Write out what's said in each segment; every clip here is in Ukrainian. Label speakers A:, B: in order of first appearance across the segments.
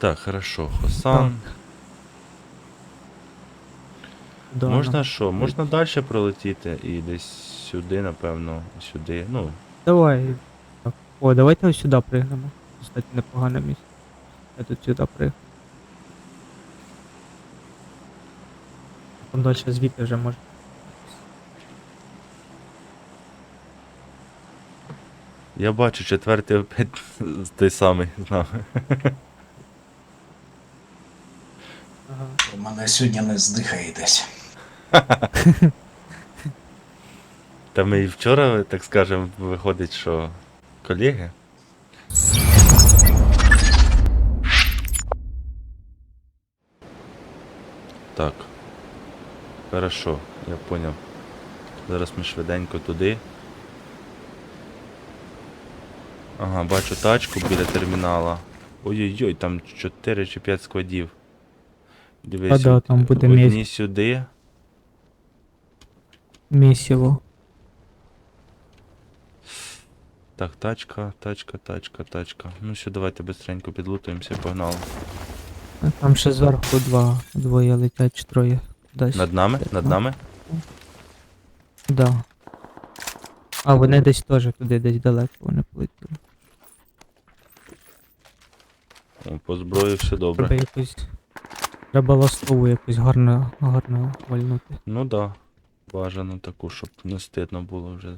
A: Так, хорошо, Хосан.
B: Да,
A: Можна що? Можна далі пролетіти і десь сюди, напевно, сюди. Ну,
B: Давай. Так. О, давайте ось сюди пригнемо. Кстати, непогане місце. Я тут сюди пригну. Там далі звідти вже може.
A: я бачу, четвертий опять той самий з нами.
B: Ага.
C: У мене сьогодні не здихаєтесь.
A: Та ми і вчора, так скажемо, виходить, що колеги. Так. Хорошо, я поняв. Зараз ми швиденько туди. Ага, бачу тачку біля термінала. Ой-ой-ой, там 4 чи 5 складів. Дивись,
B: Да, там буде
A: одні сюди.
B: Місіво.
A: Так, тачка. Ну все, давайте быстренько підлутуємося, погнали.
B: Там ще зверху двоє летять, чи троє. Десь.
A: Над нами? Над нами?
B: Да. А, вони десь теж туди, десь далеко вони полетіли.
A: О, по зброї все добре.
B: Треба якось... Треба ластову якусь гарно вальнути.
A: Ну да. Бажано таку, щоб не стидно було вже.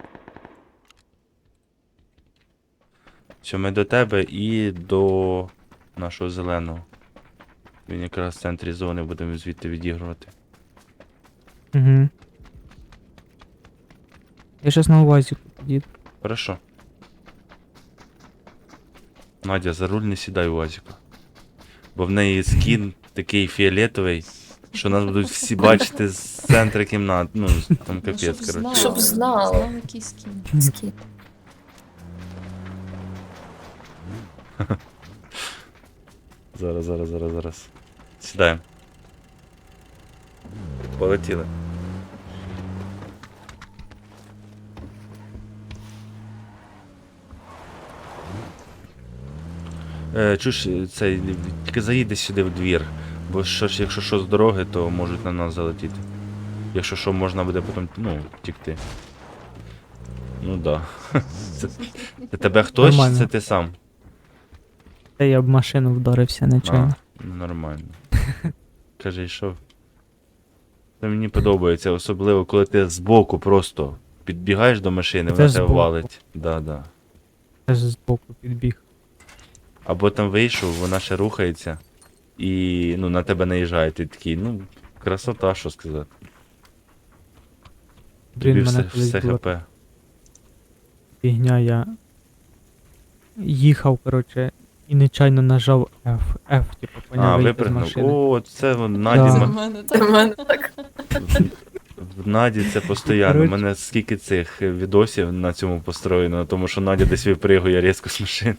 A: Все, ми до тебе і до нашого зеленого. Він якраз в центрі зони, будемо звідти відігрувати.
B: Угу. Я щас на увазі під'їду.
A: Хорошо. Надя, за руль не сідай у Вазіку. Бо в неї скін такий фіолетовий, що нас будуть всі бачити з центру кімнат. Ну, там капець, коротше.
D: Щоб знала. Знала, який скін.
A: Зараз. Сідаємо. Полетіли. Чуєш, цей, тільки заїди сюди в двір, бо що ж, якщо що з дороги, то можуть на нас залетіти. Якщо що, можна буде потім, ну, втікти. Ну да. Це тебе хтось, чи
B: Нормально.
A: це ти сам?
B: Та я об машину вдарився нечайно.
A: Ну, нормально. Кажи, що? Це мені подобається, особливо коли ти збоку просто підбігаєш до машини,
B: Це
A: вона тебе
B: збоку.
A: валить. Да.
B: Я ж збоку підбіг.
A: Або там вийшов, вона ще рухається і ну, на тебе наїжджає, ти такий, ну, красота, що сказати. Тобі
B: Блін,
A: все,
B: мене колись
A: все
B: була
A: хп.
B: фігня, я їхав, коротше, і нечайно нажав F, типу,
A: А,
B: поняв, вийти з
A: випрыгнув.
B: машини.
A: О, це вон,
B: Да.
A: Наді,
D: Це в мене так.
A: в Наді це постійно. У
B: Коротше.
A: мене скільки цих відосів на цьому построєно, тому що Надя десь випригує різко з машини.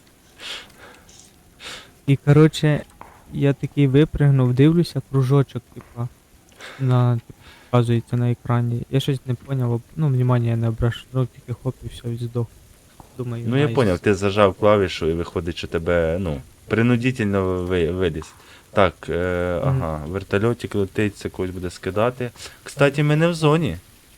B: І, коротше, я такий випригнув, дивлюся, кружочок, типу, показується на екрані. Я щось не поняв, ну, внимання я не обращав, тільки хоп і все, і здох. Думаю,
A: Ну я
B: найс.
A: поняв, ти зажав клавішу і виходить, що тебе, ну, принудительно виліз. Так, ага, вертольотик летить, це когось буде скидати. Кстати, ми не в зоні.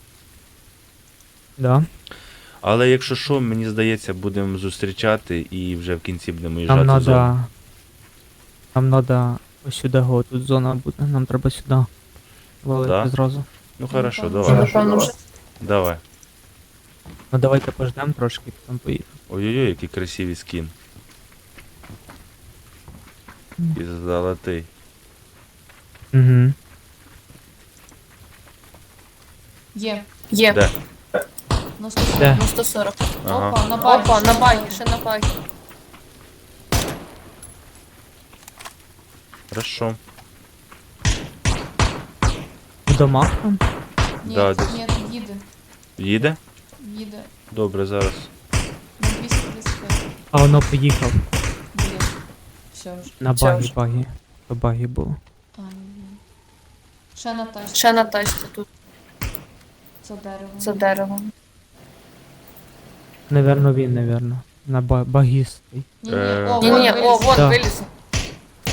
B: Да.
A: Але якщо що, мені здається, будемо зустрічати і вже в кінці будемо їжджати
B: Нам
A: в зону.
B: надо... Нам надо ось сюди, го, тут зона буде, нам треба сюди валити
A: Да?
B: зразу.
A: Ну хорошо,
D: Напевно,
A: давай.
D: Напевно, вже.
A: Давай.
B: Ну давайте пождемо трошки, потім поїдемо.
A: Ой-ой-ой, який красивий скін. І золотий.
B: Угу.
D: Є.
A: Де?
D: На 140.
B: Де?
D: На 140.
A: Ага.
D: Опа, на багі. Опа, на багі, ще на багі.
A: Хорошо.
B: В домах там?
D: Ні,
A: Да, десь.
D: ні, їде.
A: Їде?
D: Їде.
A: Добре, зараз.
D: На 235.
B: А воно поїхав.
D: Блін. Все вже.
B: На
D: Все
B: багі,
D: вже.
B: багі. То багі було.
D: А, ні. Ще на тачці.
E: Ще на тачці тут
D: За деревом.
E: за деревом.
B: Наверно, він, наверно. На багістий.
D: Ні,
A: Е,
D: о,
E: Ні, ні,
D: вон
E: о,
D: виліз.
E: вон
B: Да.
E: виліз.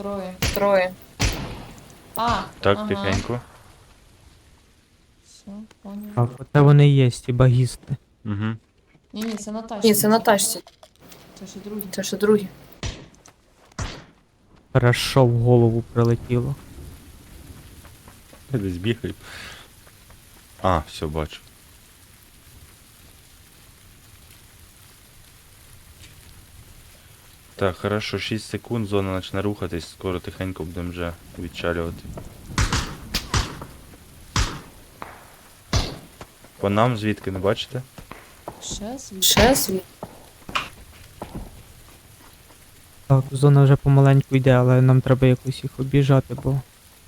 D: Троє. А,
A: Так,
D: ага.
A: тихенько.
D: Все, понял.
B: Так, оце вони і є, ті багісти.
A: Угу.
D: Ні, це на тачці.
E: Ні, це на тачці.
D: Це ще другі.
E: Це ще другі.
B: Хорошо в голову прилетіло.
A: Десь бігаю. А, все, бачу. Так, хорошо, 6 секунд, зона почне рухатись, скоро тихенько будемо вже відчалювати. По нам звідки, не бачите?
D: Ще світ.
E: Ще світ.
B: Так, зона вже помаленьку йде, але нам треба якось їх обіжати, бо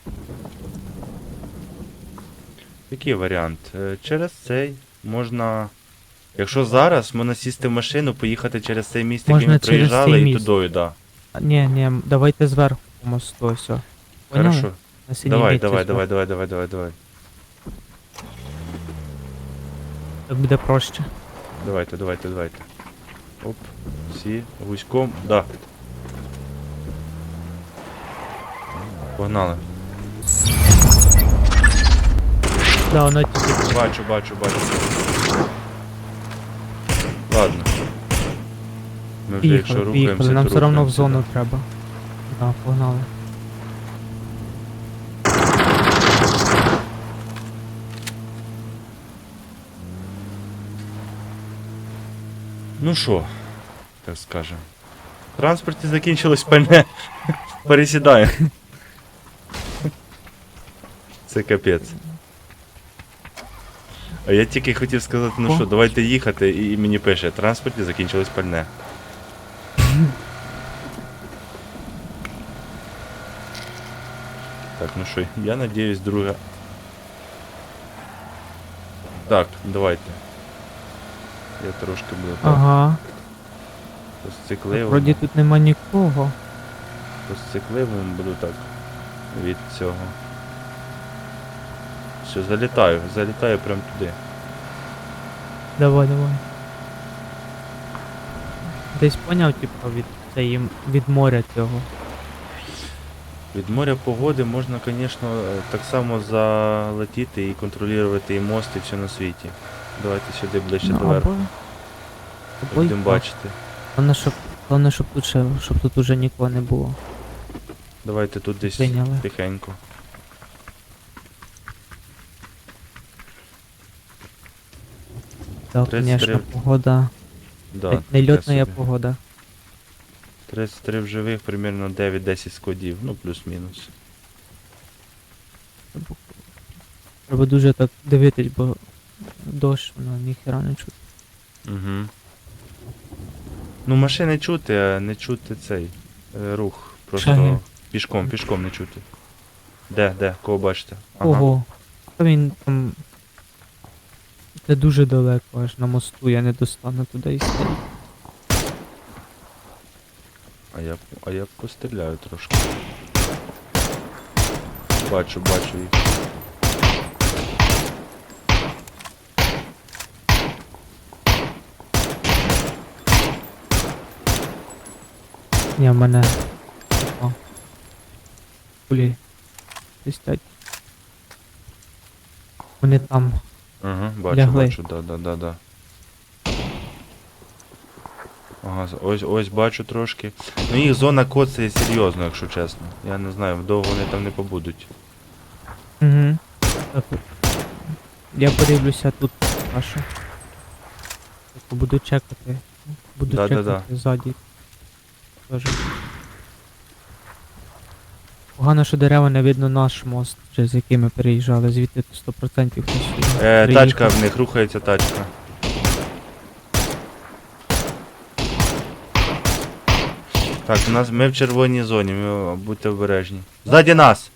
A: Який варіант? Через цей можна. Якщо зараз можна сісти в машину, поїхати через цей міст, який
B: Можна
A: ми
B: через
A: проїжджали,
B: цей
A: і
B: міст.
A: тудою, да.
B: Ні, давайте зверху по мосту, ось. Поняли?
A: Хорошо.
B: На синій
A: Давай,
B: мітці
A: давай,
B: зверху.
A: давай.
B: Так буде проще.
A: Давайте. Оп, всі, гуськом, да. Погнали.
B: Да, воно тільки
A: Бачу. Ладно. Ми вже якщо
B: поїхали,
A: рухаємося,
B: нам
A: то
B: все одно в
A: рухаємося,
B: зону
A: да.
B: треба. Да, погнали.
A: Ну що, так скажем. В транспорті закінчилось пальне. Пересідає. Це капець. А я тільки хотів сказати, ну
B: О.
A: що, давайте їхати, і мені пише, в транспорті закінчилось пальне. Так, ну що, я надіюсь, друга. Так, давайте. Я трошки буду так.
B: Ага.
A: По сцикливому.
B: Вроді тут нема нікого.
A: По сцикливому буду так. Від цього. Все, залітаю прям туди.
B: Давай. Десь поняв, типу, від моря цього.
A: Від моря погоди можна, звісно, так само залетіти і контролювати і мост, і все на світі. Давайте сюди ближче
B: Ну,
A: до верху.
B: або
A: Будемо
B: й
A: бачити.
B: Головне, щоб тут уже нікого не було.
A: Давайте тут десь
B: Прийняли.
A: тихенько.
B: Так,
A: 33.
B: звісно, погода.
A: Да,
B: Нельотна
A: таке собі.
B: погода.
A: 33 в живих, примерно 9-10 складів, ну плюс-мінус.
B: Треба дуже так дивитись, бо дощ, воно ніхера не чути.
A: Угу. Ну, машини чути, а не чути цей рух. Просто
B: Шаги.
A: пішком не чути. Де? Кого бачите? Ага.
B: Ого. Та він там. Це дуже далеко, аж на мосту, я не достану туди і стоїть.
A: А я постріляю трошки. Бачу їх.
B: Ні, в мене. О. Кулі. Свистять. Вони там.
A: Ага, бачу,
B: Лягли.
A: да. Ага, ось бачу трошки. Ну їх зона коцає серйозно, якщо чесно. Я не знаю, довго вони там не побудуть.
B: Угу. Так. Я подивлюся тут вашу. Буду чекати. Буду
A: Да-да-да.
B: чекати ззаді. Тоже. Погано, що дерева не видно наш мост, вже з яким ми переїжджали, звідти 100% хтось сюди
A: Тачка
B: приїхав.
A: в них, рухається тачка. Так, ми в червоній зоні, будьте обережні. Ззаді нас!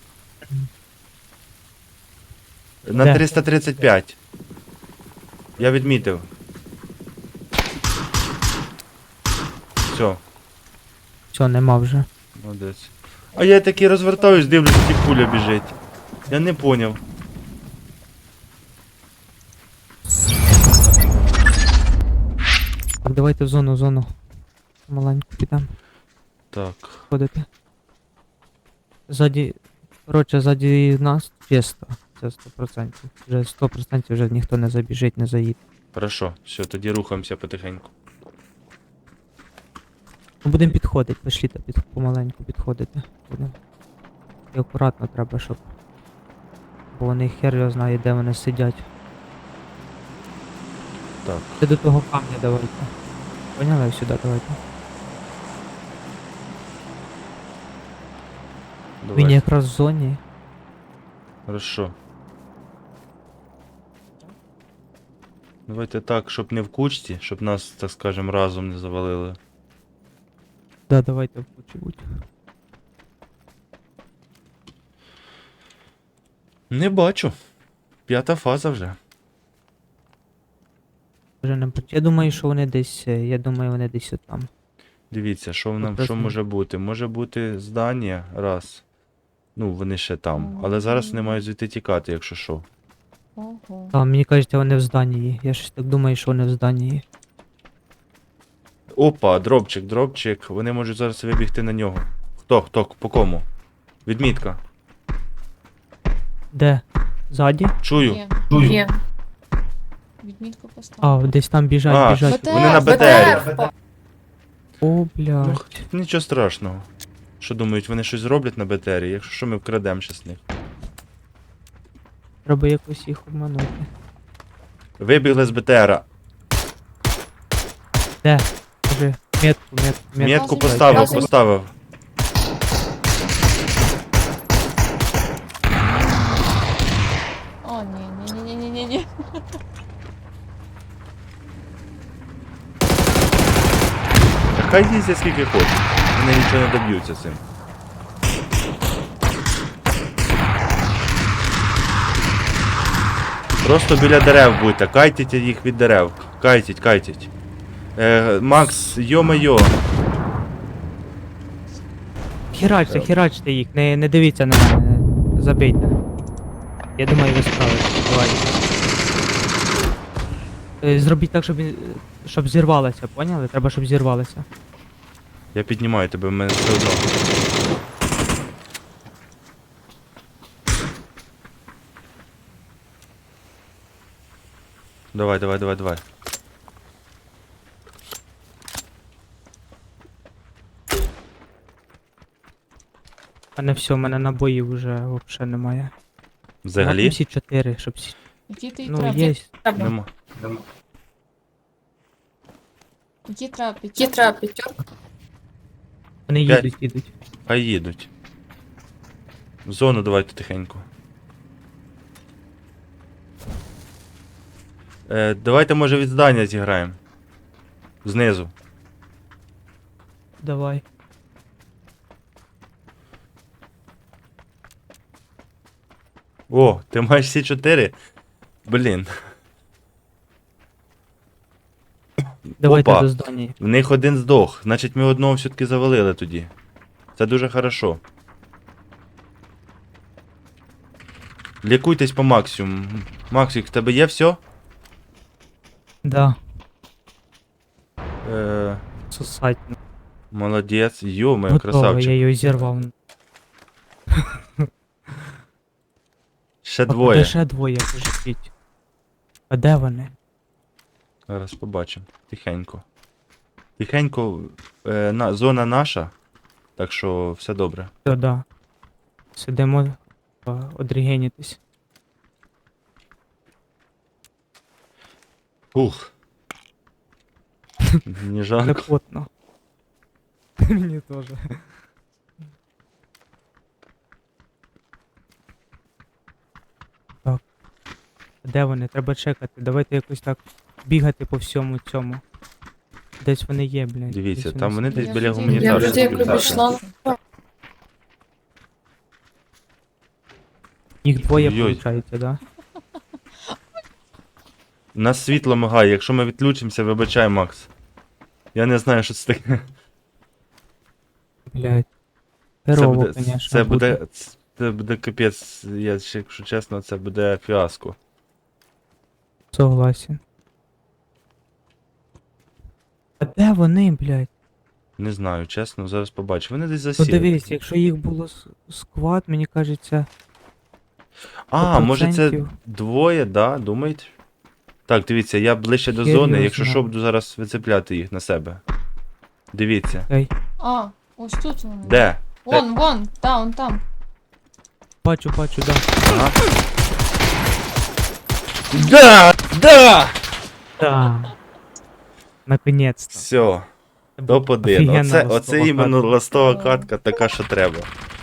A: На
B: Де?
A: 335. Я відмітив. Все,
B: Все, нема вже.
A: молодець. А я таки розвертаюсь, дивлюсь, і пуля біжить. Я не поняв.
B: Так, давайте в зону. Маленьку підемо
A: Так.
B: ходити. Ззаді. Коротше, ззаді нас чисто. Це 100%. Вже 100% вже ніхто не забіжить, не заїде.
A: Хорошо, все, тоді рухаємося потихеньку.
B: Ми будемо підходити, пошліте помаленьку підходити. Будемо. І акуратно треба, щоб. Бо вони хер його знає, де вони сидять.
A: Так,
B: Ти до того камня давайте. Поняли? Сюди давайте. Він
A: давай.
B: якраз в зоні.
A: Хорошо. Давайте так, щоб не в кучці, щоб нас, так скажем, разом не завалили.
B: Да, давайте в кучі будь.
A: Не бачу. 5-та фаза вже.
B: Вже не бачу. Я думаю, що вони десь. Я думаю, вони десь отам.
A: Дивіться, що нам що
B: Прекрасно.
A: може бути? Може бути здання, раз. Ну, вони ще там. Але зараз вони мають звідти тікати, якщо що.
D: Ого.
B: Та, мені кажеться, вони в зданні. Я щось так думаю, що вони в зданні.
A: Опа, дропчик, дропчик. Вони можуть зараз вибігти на нього. Хто, по кому? Відмітка.
B: Де? Ззаді?
A: Чую.
D: Є. Відмітку поставив.
B: А, десь там біжать,
A: А,
B: біжать.
D: БТР,
A: Вони на
D: БТР.
A: БТРі.
B: О, блядь.
A: Нічого страшного. Що думають, вони щось зроблять на БТРі, якщо що ми вкрадемо щас них.
B: Треба якось їх обманути.
A: Вибігли з БТРа.
B: Де? Кажи, метку.
A: Метку
D: Показуй, показуй.
A: поставив.
D: О, ні.
A: Хай їздять скільки хочуть. Вони нічого не доб'ються цим. Просто біля дерев будьте, кайтіть їх від дерев. Кайтіть. Макс, йо-моє.
B: Херачте їх, не дивіться на мене. Забийте. Я думаю, ви справитесь. Давайте. Зробіть так, щоб зірвалося, поняли? Треба, щоб зірвалося.
A: Я піднімаю тебе, в мене все одно. Давай.
B: А не все, у мене набоїв вже взагалі немає.
A: Взагалі?
B: Всі 4, щоб всі.
D: Які ти
B: Ну,
D: треба?
B: є.
A: Нема.
D: Які треба?
E: Які треба п'ятерку?
B: Вони
A: П'ять.
B: їдуть.
A: Хай їдуть. В зону давайте тихенько. Давайте, може, від здання зіграємо. Знизу.
B: Давай.
A: О, ти маєш всі 4? Блін.
B: Давайте
A: Опа.
B: до здання.
A: В них один здох. Значить, ми одного все-таки завалили тоді. Це дуже хорошо. Лікуйтесь по максимуму. Максик, в тебе є все?
B: Да.
A: Е,
B: Сосать.
A: молодець. Йо-моє,
B: Готово,
A: красавчик.
B: я її зірвав.
A: Ще
B: А
A: двоє.
B: куди ще двоє, кажіть. А де вони?
A: Зараз побачимо. Тихенько. Тихенько. Зона наша. Так що все добре.
B: Та да. Сидимо, одрігенітись.
A: Ух. Не жалко.
B: Непотно. Мені теж. Так. Де вони? Треба чекати. Давайте якось так бігати по всьому цьому. Десь вони є, блядь.
A: Дивіться,
B: Десь
A: там вони
B: сидять.
A: десь біля
D: Я
A: гуманітарки.
E: вроді як
A: будуть.
E: обійшла.
B: Їх двоє,
A: Ой-ой.
B: виходить, да?
A: У нас світло мигає, якщо ми відключимося, вибачай, Макс. Я не знаю, що це таке.
B: Блядь.
A: Це
B: Херово,
A: буде,
B: конечно.
A: це буде капець, якщо чесно, це буде фіаско.
B: Согласен. А де вони, блядь?
A: Не знаю, чесно, зараз побачу. Вони десь засіли.
B: Подивись, якщо їх було сквад, мені кажеться,
A: А, може це
B: 100%.
A: двоє, да? Думаєте? Так, дивіться, я ближче до зони,
B: Серйозно?
A: якщо що, буду зараз вицепляти їх на себе. Дивіться.
B: Окей.
D: А, ось тут вони.
A: Де?
D: Вон, он там.
B: Бачу, да.
A: Ага. Да! Да!
B: Да. Наконець-то.
A: Все,
B: Це був
A: топ-1.
B: офігенна
A: Оце
B: ластова
A: іменно
B: катка.
A: ластова катка, така, що треба.